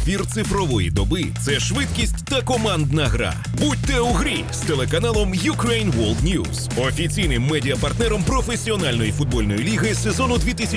Ефір цифрової доби – це швидкість та командна гра. Будьте у грі з телеканалом Ukraine World News, офіційним медіапартнером професіональної футбольної ліги сезону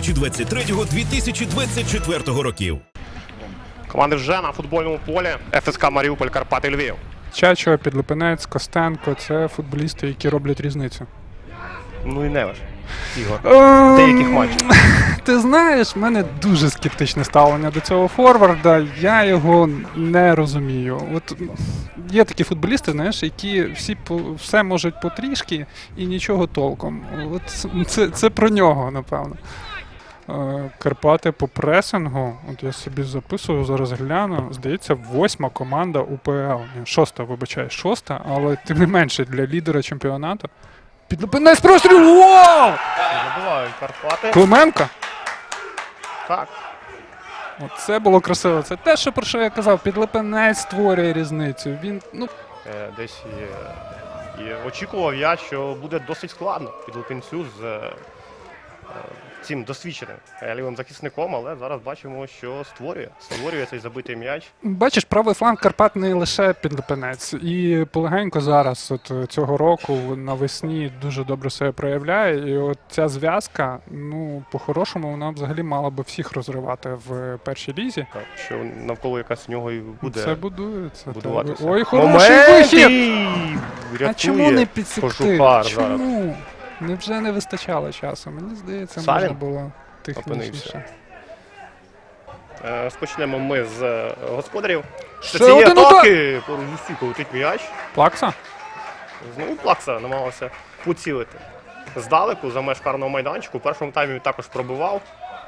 2023-2024 років. Команди вже на футбольному полі. ФСК Маріуполь, Карпати, Львів. Чачо, Підлипинець, Костенко – це футболісти, які роблять різницю. Ну і Невиш, Ігор. Деяких матчів. Ти знаєш, в мене дуже скептичне ставлення до цього форварда. Я його не розумію. От є такі футболісти, знаєш, які все можуть потрішки і нічого толком. От це про нього, напевно. Карпати по пресингу, от я собі записую, зараз гляну, здається, 8-ма команда УПЛ. 6-та, вибачаю, 6-та, але тим не менше для лідера чемпіонату. Підлипинець простріл! Вау! Забивають Карпати. Клименко? Так. Це було красиво. Це те, про що я казав. Підлипинець створює різницю. Він, Десь і очікував я, що буде досить складно Підлипинцю з цим досвідченим лівим захисником, але зараз бачимо, що створює цей забитий м'яч. бачиш, правий фланг Карпат не лише Підлипинець. І полегенько зараз, от цього року, навесні дуже добре себе проявляє. І от ця зв'язка, по-хорошому, вона взагалі мала би всіх розривати в першій лізі. Так, що навколо якась нього і буде Це будується. будуватися. Ой, хороший вихід! А чому не підсекти? Кожухар Чому? Невже не вистачало часу? Мені здається, Савін можна було технічніше. Розпочнемо ми з господарів. Ще Цієї один атаки поруч зі стійкою летить м'яч. Плакса? Знову Плакса намагався поцілити здалеку за меж карного майданчику. У першому таймі він також пробивав.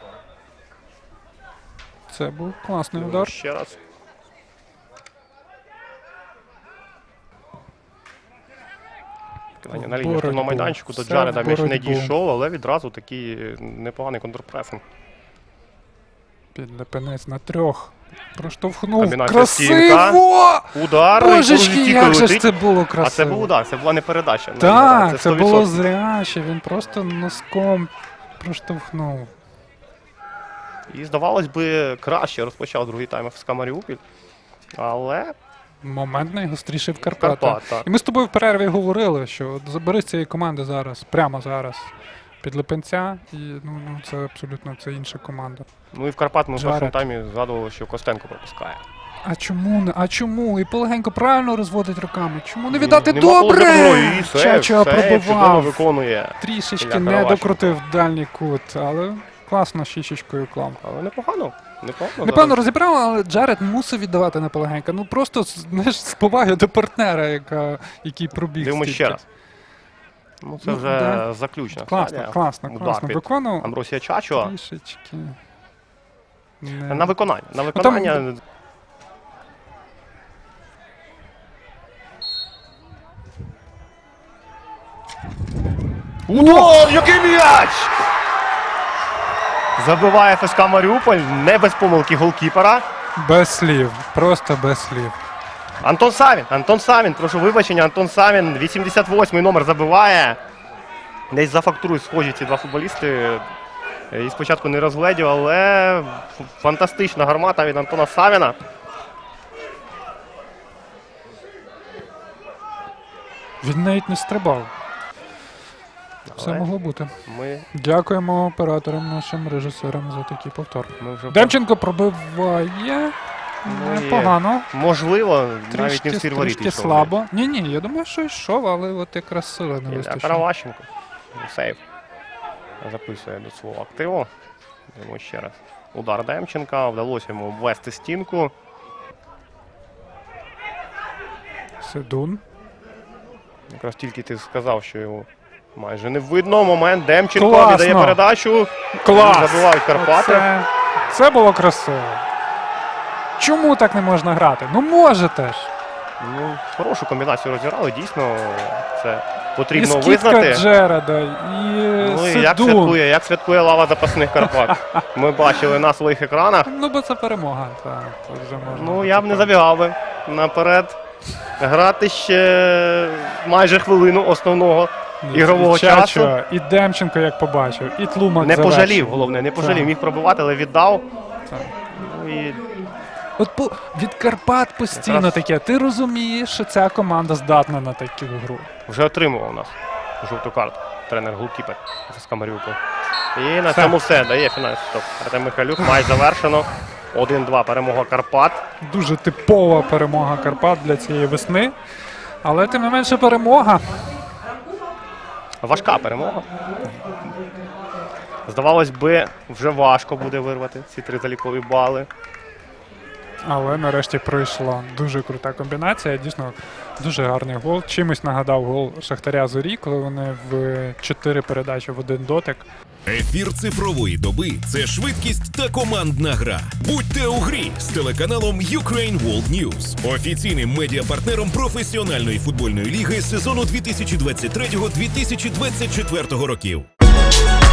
Це був класний удар. Ще раз. На лінії штурмового майданчику до Джареда м'яч не дійшов, але відразу такий непоганий контрпресинг. Підлипинець на 3. Проштовхнув. Комбінація Красиво! Удар. Божечки, як же ж це було красиво. А це був удар, це була не передача. Так, це було зряче. Він просто носком проштовхнув. І, здавалось би, краще розпочав другий тайм ФСК Маріуполь. Але Момент найгостріший в Карпатах. так. І ми з тобою в перерві говорили, що от забери з цієї команди зараз, прямо зараз, Підлипинця, і це абсолютно інша команда. Ну і в Карпат ми в Джаред. першому таймі згадували, що Костенко пропускає. А чому не? А чому? І полегенько правильно розводить руками. Чому не віддати? Нема Добре! зброї, Чачо чудово пробивав. виконує. Трішечки Ілля не Каравашенко. докрутив дальній кут, але класно щічечкою клав. Але непогано. Непевно розібрав, але Джаред мусив віддавати на полегенько. Просто, знаєш, з поваги до партнера, який пробіг. Дивимось стільки. ще раз. Це вже да. заключна Класно, стадія. класно. Удар під Виконував Амбросія Чачо. трішечки. На виконання. На виконання. Удар! Який м'яч! Забиває ФСК Маріуполь, не без помилки голкіпера. Без слів, просто без слів. Антон Савін, прошу вибачення, Антон Савін, 88-й номер забиває. Десь за фактурою схожі ці два футболісти. І спочатку не розгледів, але фантастична гармата від Антона Савіна. Він навіть не стрибав. Все могло бути. Ми Дякуємо операторам, нашим режисерам за такий повтор. вже Демченко пробиває. Непогано. можливо, навіть не в стиль воріт Трішки йшов. слабо. Ні, я думаю, що йшов, але от якраз сили не Ілля вистачило. Караващенко. Сейв. Записує до свого активу. Йдемо ще раз. Удар Демченка. Вдалося йому обвести стінку. Седун. Якраз тільки ти сказав, що його майже не видно. Момент. Демченко Класно. віддає передачу. Клас! Забивають Карпати. Це було красиво. Чому так не можна грати? Можете ж. Хорошу комбінацію розіграли. Дійсно, це потрібно І скидка визнати. Джереда, і І як святкує лава запасних Карпат. Ми бачили на своїх екранах. Бо це перемога. Так, це вже можна. Я б не забігав би наперед. Грати ще майже хвилину основного ігрового часу. І Демченко, як побачив, і Тлумак Не завершив. пожалів, головне, не пожалів. Так. Міг пробивати, але віддав. Так. І От від Карпат постійно Якраз- таке. Ти розумієш, що ця команда здатна на таку гру. Вже отримував у нас жовту карту. Тренер-голкіпер ФСК Маріуполь. І на Все. цьому все. Дає фінальний стоп. Артем Михайлюк. Матч завершено. 1-2. Перемога Карпат. Дуже типова перемога Карпат для цієї весни. Але тим не менше перемога. Важка перемога. Здавалось би, вже важко буде вирвати ці 3 залікові бали. Але нарешті пройшла дуже крута комбінація. Дійсно, дуже гарний гол. Чимось нагадав гол Шахтаря Зорі, коли вони в 4 передачі в 1 дотик. Ефір цифрової доби це швидкість та командна гра. Будьте у грі з телеканалом Ukraine World News, офіційним медіапартнером професіональної футбольної ліги сезону 2023-2024 років.